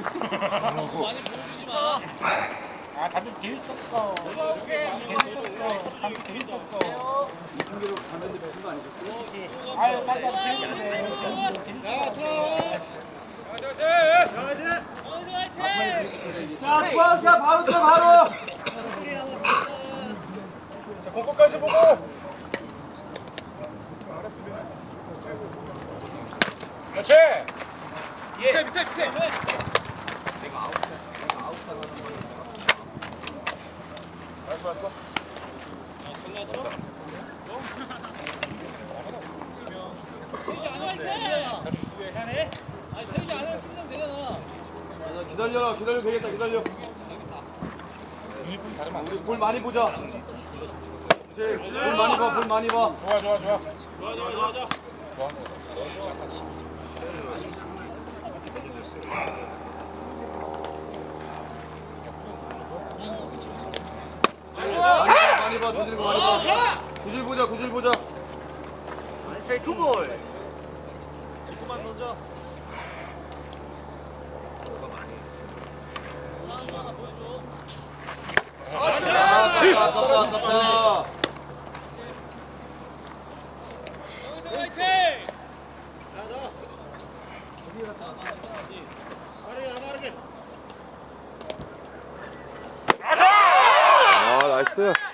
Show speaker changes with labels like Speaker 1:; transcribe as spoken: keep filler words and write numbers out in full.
Speaker 1: 많이 보여주지 마.
Speaker 2: 아, 담배 제일 쳤어. 제일 쳤어. 담배 제일 쳤어.
Speaker 3: 이승기로 담배 피운 거 아니셨어요?
Speaker 2: 그렇지. 아유, 빨리 빨리 제일 쳤어.
Speaker 3: 자, 투아웃이야. 바로 쳐, 바로.
Speaker 2: 자, 공격까지 보고. 그렇지. 예. 밑에, 밑에, 밑에. 내가 아웃, 내가 아웃하는 알았어, 알았어.
Speaker 1: 아, 전화죠? 세이지 안 할 때!
Speaker 2: 왜 해네?
Speaker 1: 아니, 세이지 안 하면 끝내면 되잖아.
Speaker 3: 기다려, 기다려 되겠다, 기다려.
Speaker 2: 유니폼이 다르면 안 돼.
Speaker 3: 우리 볼 많이 보자. 그렇지, 볼 많이 봐, 볼 많이 봐.
Speaker 2: 좋아, 좋아, 좋아.
Speaker 1: 좋아, 좋아, 좋아, 좋아.
Speaker 2: 좋아.
Speaker 3: 많이 봐, 두질 많이 봐. 구질 보자, 구질 보자.
Speaker 1: 세이 투볼. 조금만 던져. 하나 보여줘.
Speaker 3: 아, 아깝다, 아깝다, 아깝다.
Speaker 1: 여기서 화이팅!
Speaker 3: 아, 나이스.